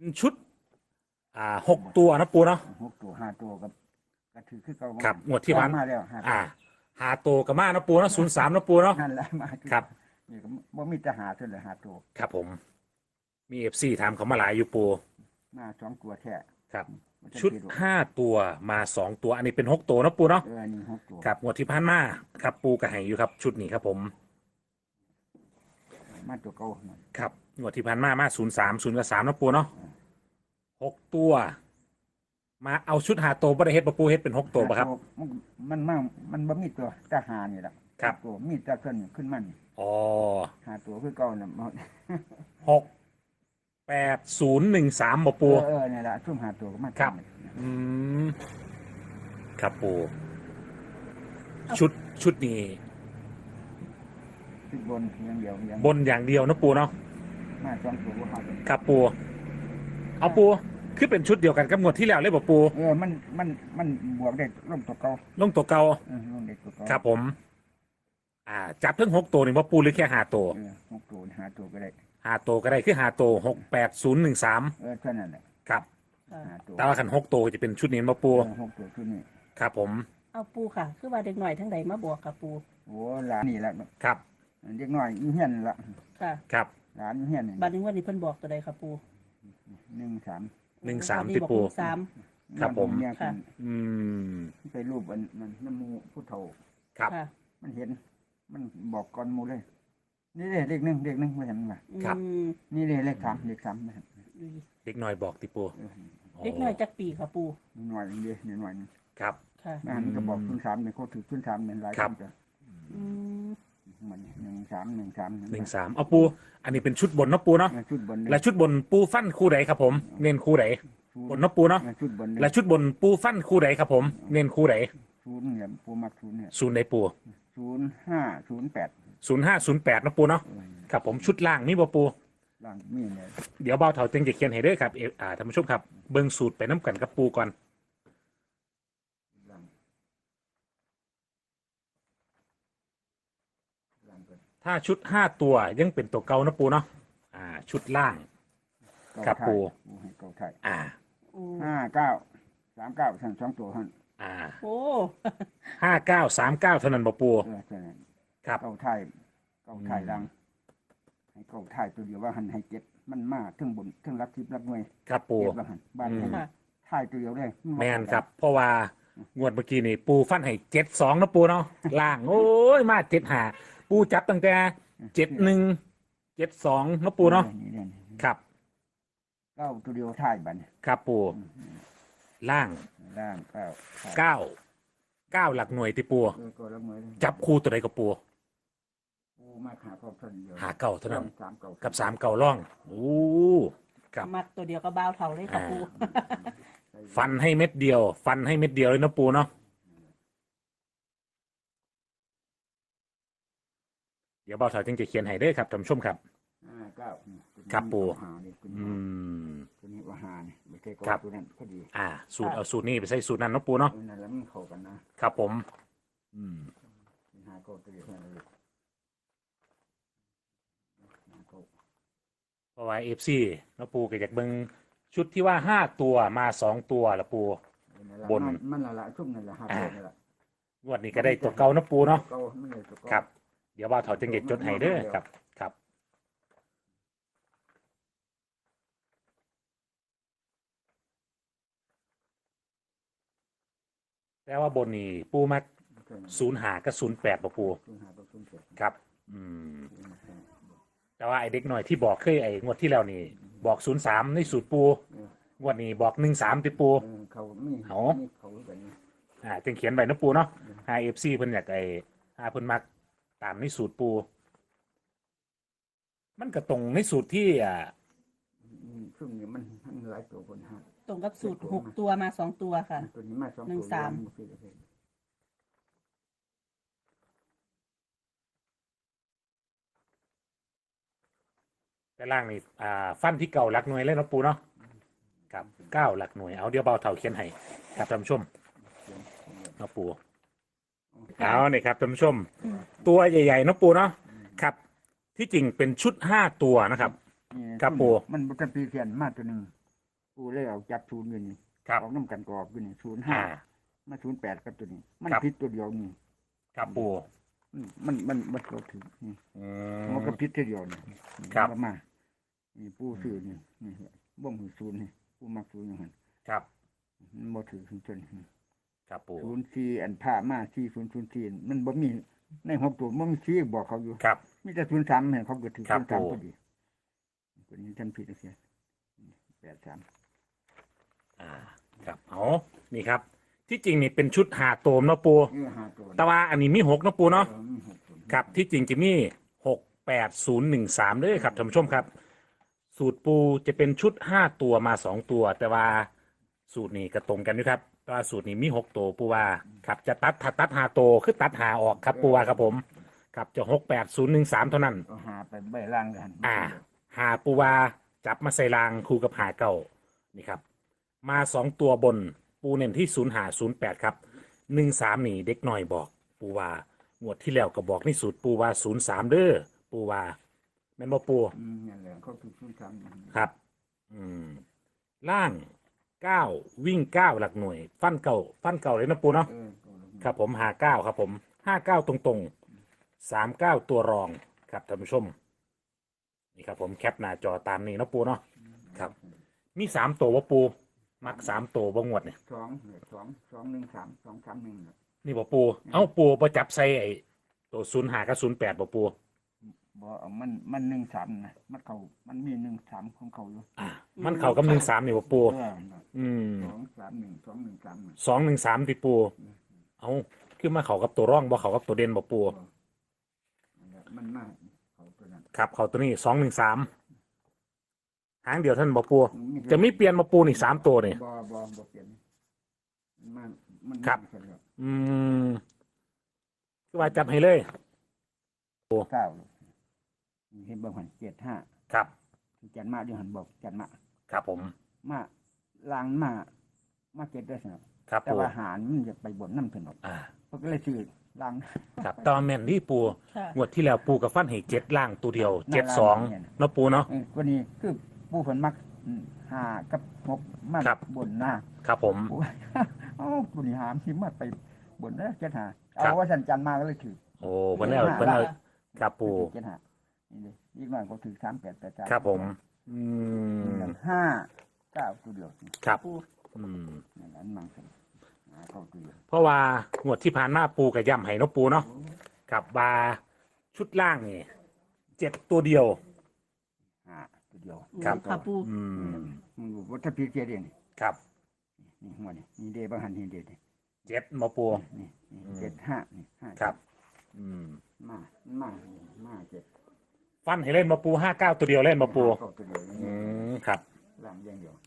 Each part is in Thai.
ชุด6 ตัวนะปูเนาะ 6 ตัว5 ตัวก็ถือคือเก่าครับงวดที่ผ่านมาแล้ว 5 ตัวกับมานะปูเนาะ03นะปูเนาะนั่นแหละมาครับนี่ก็บ่มีจะหาเท่าไหร่5 ตัวครับผมมีFCถามเขามาหลายอยู่ปูมา2 ตัวแท้ครับชุด5 ตัวมา2 ตัวอันนี้เป็น6 ตัวนะปูเนาะนี่6 ตัวครับงวดที่ผ่านมาครับปูกระหายอยู่ครับชุดนี้ครับผมมาตัวเก่าครับงวดที่ผ่านมา03กับ3นะปูเนาะ6 ตัวมาเอาชุด5 ตัวบ่ได้เฮ็ดบ่ปูเฮ็ดเป็น6 ตัวป่ะครับมันบ่มีตัวแต่หานี่ล่ะครับตัวมีแต่ขึ้นมันอ๋อ 5 ตัวคือเก่าน่ะ 68013บ่ปูนี่ล่ะซุ่ม5 ตัวก็มาครับครับปูชุดนี้บนอย่างเดียวบนอย่างเดียวนะปูเนาะมา2 ตัวครับปูเอาปูคือเป็นชุดเดียวกันกับงวดที่แล้วเลยบ่ปูมันบวกได้ลงตัวเก่าลงตัวเก่าลงได้ตัวเก่าครับผมจับทั้ง6 ตัวนี่บ่ปูหรือแค่5 ตัว 6 ตัว5 ตัวก็ได้ 5 ตัวก็ได้คือ5 ตัว68013 เท่านั้นแหละครับแต่ว่าคัน6 ตัวจะเป็นชุดนี้บ่ปู 6 ตัวชุดนี้ครับผมเอาปูค่ะคือว่าเด็กหน่อยทั้งใดมาบวกกับปูโอ้หลานนี่แหละครับเด็กน้อยอีเฮียนละค่ะครับหลานอีเฮียนบัดนี้วันนี้เพิ่นบอกตัวใดครับปู 13 ที่ปูครับผมค่ะไปรูปมันน้ำมูผู้เฒ่าครับมันเห็นมันบอกก่อนมูเลยนี่เลข1ไม่เห็นมั้ยครับนี่เลข3ไม่เห็นเด็กน้อยบอกติปูเด็กน้อยจักปีครับปูน้อยเดียวน้อยครับค่ะมันก็บอก03เนี่ยเขาถือ03เป็นหลายคนจ้ะมัน13 เอาปูอันนี้เป็นชุดบนเนาะปูเนาะและชุดบนปูฟันคู่ไหนครับผมเน้นคู่ไหนบนเนาะปูเนาะและชุดบนปูฟันคู่ไหนครับผมเน้นคู่ไหน 0เนี่ยปูมัก0เนี่ย 0ไหนปู 0508 นะปูเนาะครับผมชุดล่างนี่บ่ปูล่างมีเนี่ยเดี๋ยวเบาเถาจึงจะเขียนให้เด้อครับท่านผู้ชมครับเบิ่งสูตรไปน้ำกันกับปูก่อนถ้าชุด5 ตัวยังเป็นตัวเก่านะปูเนาะชุดล่างครับปู 5939ทั้ง2 ตัวหั่นโอ้ 5939เท่านั้นบ่ปูครับเก่าไทยดังให้เก่าไทยตัวเดียวว่าหันให้7มันมาถึงบนถึงรับทิพย์รับหน่วยครับปูบ้านไทยตัวเดียวได้แม่นครับเพราะว่างวดเมื่อกี้นี่ปูฟันให้72นะปูเนาะล่างโอ้ยมา75ปูจับตั้งแต่71 72นะปูเนาะครับเก้าตัวเดียวไทยบัดครับปูล่าง9หลักหน่วยติปูจับคู่ตัวใดกับปูมาหาเก่าเท่านั้นกับ3 เก่าล่องโอ้ครับมัดตัวเดียวก็บ้าวเท่าเลยครับปูฟันให้เม็ดเดียวเลยนะปูเนาะเดี๋ยวเบาเถาจึงจะเขียนให้เด้อครับท่านผู้ชมครับครับปูตัวนี้ว่าหาเนี่ยไม่ใช่ก็ตัวนั้นก็ดีสูตรเอาสูตรนี้ไปใส่สูตรนั้นนะปูเนาะนั่นแล้วมันเข้ากันนะครับผมหาก็ตัวเดียวเพราะว่าFCนะปูก็อยากเบิ่งชุดที่ว่า5 ตัวมา2 ตัวละปูบนมันละชุ่มนั่นละ5 ตัวนั่นละงวดนี้ก็ได้ตัวเก่านะปูเนาะครับเดี๋ยวว่าเถาจึงจะจดให้เด้อครับแต่ว่าบนนี่ปูมัก05กับ08ป่ะปูครับแต่ว่าไอเด็กหน่อยที่บอกเคยไองวดที่แล้วนี่บอก03ในสูตรปูงวดนี้บอก13ติปูเขาจึงเขียนไว้นะปูเนาะ5FC เพิ่นอยากไอ้เพิ่นมักตามในสูตรปูมันก็ตรงในสูตรที่ช่วงนี้มันหลายตัวคนฮะตรงกับสูตร6 ตัวมา2 ตัวค่ะตัวนี้มา2 ตัว13 แต่ล่างนี่ฟันที่เก่าหลักหน่วยเลยนะปูเนาะครับ9หลักหน่วยเอาเดี๋ยวเบาเถาเขียนให้ครับท่านผู้ชมนะปูเอาเนี่ยครับท่านผู้ชมตัวใหญ่ๆนะปูเนาะครับที่จริงเป็นชุด5 ตัวนะครับครับปูมันเป็นปีเขียนมาตัวนึงปูเลยเอาจับศูนย์อยู่นี่ครับออกน้ำกันกรอบอยู่นี่ศูนย์อ่าห้ามา08กับตัวนี้ มันครับผิดตัวเดียวนี่ครับปูมันก็ถึงนี่อืมันมก็ผิดตัวเดียวนี่ครับมันมานี่ปูซื้อนี่บ่งศูนย์นี่ปูมักศูนย์อย่างนั้นครับมันบ่ถือถึงจนครับปู 04อันผ่ามา4004มันบ่มีใน6ตัวมันมี4บอกเขาอยู่ครับมีแต่03ให้เขาก็ถือครับ 03 ผมพอดีตัวนี้ท่านผิดเสีย83 ครับเอานี่ครับ ที่จริงนี่เป็นชุดหาโตมเนาะปู 5ตัวแต่ว่าอันนี้มีหกเนาะปูเนาะมีหกตัวครับที่จริงจะมี68013เลยครับท่านผู้ชมครับ สูตรปูจะเป็นชุด5ตัวมา2ตัว แต่ว่าสูตรนี้ก็ตรงกันด้วยครับแต่ว่าสูตรนี้มี6ตัวปูว่าครับจะตัดหาโตวคือตัดหาออกครับปูว่าครับผมครับจะ68013เท่านั้นก็หาไปใบล่างกันหาปูวาจับมาใส่รางคู่กับหาเก่านี่ครับ มา2ตัวบนปูเน้นที่0508ครับ13นี่เด็กหน่อยบอกปูวางวดที่แล้วก็บอกในสูตรปูวา03เด้อปูวาแม่นบ่ปูนั่นแหละเขาคือศูนย์สามครับ ล่าง9วิ่ง9หลักหน่วย ฟันเก่าเลยนะปูเนาะครับผมหา9ครับผม59ตรงๆ39ตัวรองครับท่านผู้ชมนี่ครับผมแคปหน้าจอตามนี้เนาะปูเนาะครับ มี3ตัวว่าปูมัก3ตัวบ่งวดเนี่ย 2 1 3 2 3 1 นี่บ่ปูเอ้าปูบ่จับใส่ไอ้ตัว05กับ08บ่ปูบ่เอามัน1 3นะมันมี1 3ของเขาอยู่มันเข้ากับ13นี่บ่ปูอืม 2 3 1 2 1 3 213ติปูเอ้าคือมาเข้ากับตัวร่องบ่เข้ากับตัวเด่นบ่ปูมันมากเขาตัวนั้นครับเข้าตัวนี้213หางเดียวท่านบ่ปูจะมีเปลี่ยนบ่ปูนี่3ตัวนี่บ่เปลี่ยนมันครับ คือว่าจับให้เลยเก้าเห็นบ่หัน75 ครับจันมาอยู่หันบอกจันมาครับผมมาล้างมาเก็บได้สนับครับแต่ปูว่าหารมันจะไปบนน้ำถนนอ่าเขาก็เลยซื้อล้างครับตอนแม่นที่ปูค่ะงวดที่แล้วปูกับฟันให้7ล่างตัวเดียว72เนาะปูเนาะวันนี้คือผู้ผลมักหากับ6มาครับบนหน้าครับผมผู้ เอ้าผู้นี้หามสิมาไปบนแล้วเจ็ดหาครัเอาบว่าสันจันมาก็เลยถือโอ้เพิ่นเอาครับปูเจ็ดหานี่เลยอีกหน่อยก็ถือ3883 ครับผม 5 9ตัวเดียวครับปูอืมนั่นอันมังสันเข้าตัวเดียวเพราะว่างวดที่ผ่านมาปูกับย่ำให้เนาะปูเนาะกับบาชุดล่างนี่7ตัวเดียวตัวเดียวครับค่ะปูอืมมึงรู้ว่าถ้าพี่เจเดียนครับนี่หัวนี่เดบางหันนี่เดนี่ 7มาปูนี่75นี่5 ครับ อืมมาเจ็ดฟันให้เล่นมาปู59ตัวเดียวเล่นมาปูเข้าตัวเดียวครับล่างอย่างเดียว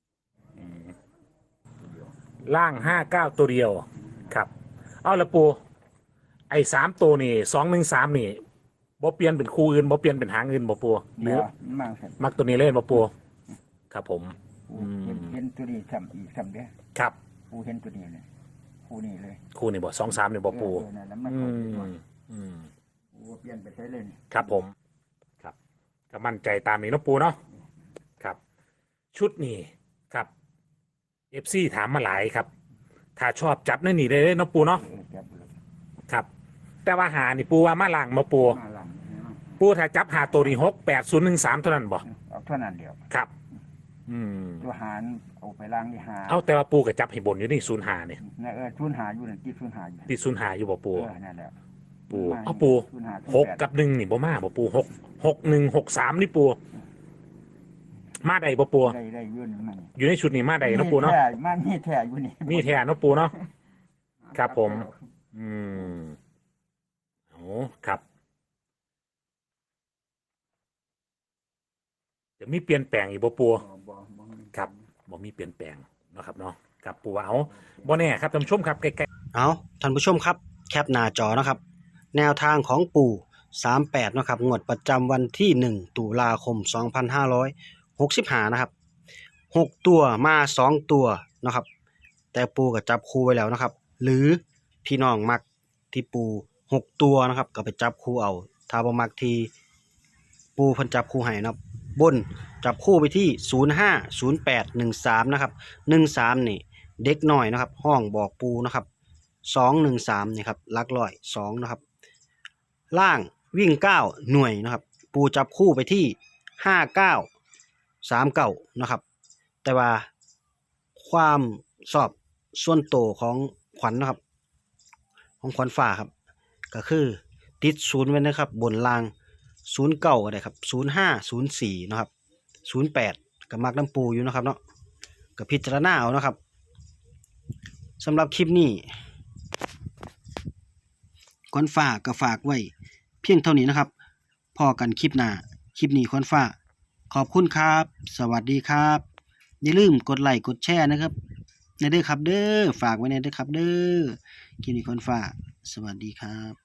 ตัวเดียวล่าง59ตัวเดียวครับ เอาละปูไอ้3ตัวนี่213นี่บ่เปลี่ยนเป็นคู่อื่นบ่เปลี่ยนเป็นหางอื่นบ่ปูหรือมาสันมักตัวนี้เล่นบ่ปูครับผมเห็นตัวนี้ซ้ำอีกซ้ำเด้อครับปูเห็นตัวนี้เลยปูนี่เลยคู่นี่บ่23นี่บ่ปูนั่นแล้วมันอืเข้าตัวมอืมปูเปลี่ยนไปใช้เลยนี่ครับผม ครับก็มั่นใจตามนี้เนาะปูเนาะครับ ชุดนี้ครับ FC ถามมาหลายครับ ถ้าชอบจับในนี่ได้เลยเนาะปูเนาะจับเลยครับ แต่ว่าหานี่ปูว่ามาล่างมาปูมาหลังปูถ้าจับหาตัวนี้68013เท่านั้นบ่เอาเท่านั้นเดียวครับ อืมตัวหารเอาไปล้างที่หาเอาแต่ว่าปูก็จับให้บนอยู่นี่05นี่ทุนหาอยู่นั่นที่ทุนหาอยู่ที่05อยู่บ่ปูนั่นแหละปูเอาปู6กับ1นี่บ่มาบ่ปู6163นี่ปูมาได้บ่ปูได้ยื่นมันอยู่ในชุดนี้มาได้เนาะปูเนาะมันมีแท้อยู่นี่มีแท้เนาะปูเนาะ ครับผม อืมโอ้ครับ จะมีเปลี่ยนแปลงอีกบ่ปูครับบ่มีเปลี่ยนแปลงเนาะครับเนาะครับปูว่าเอาบ่แน่ครับท่านผู้ชมครับใกล้เอาท่านผู้ชมครับแคปหน้าจอนะครับ แนวทางของปู่38นะครับงวดประจำวันที่1ตุลาคม2565นะครับ6ตัวมา2ตัวนะครับแต่ปู่ก็จับคู่ไว้แล้วนะครับ หรือพี่น้องมักที่ปู่6ตัวนะครับก็ไปจับคู่เอาถ้าบ่มักที่ปู่เพิ่นจับคู่ให้นะครับบนจับคู่ไปที่05 08 13นะครับ13นี่เด็กน้อยนะครับห้องบอกปูนะครับ213นี่ครับหลักร้อย2นะครับล่างวิ่ง9หน่วยนะครับปูจับคู่ไปที่59 39นะครับแต่ว่าความสอบส่วนโตวของขวัญนะครับของขวัญฝ่าครับก็คือติดศูนย์ไว้นะครับบนล่าง09ก็ได้ครับ05 04นะครับ08กับมักน้ำปูอยู่นะครับเนาะกับพิจารณาเอานะครับสำหรับคลิปนี้ขวัญฝ่าก็ฝากไว้เพียงเท่านี้นะครับพอกันคลิปหน้าคลิปนี้ขวัญฝ่าขอบคุณครับสวัสดีครับอย่าลืมกดไลค์กดแชร์นะครับในเด้อครับเด้อฝากไว้ในเด้อครับเด้อคลิปนี้ขวัญฝ่าสวัสดีครับ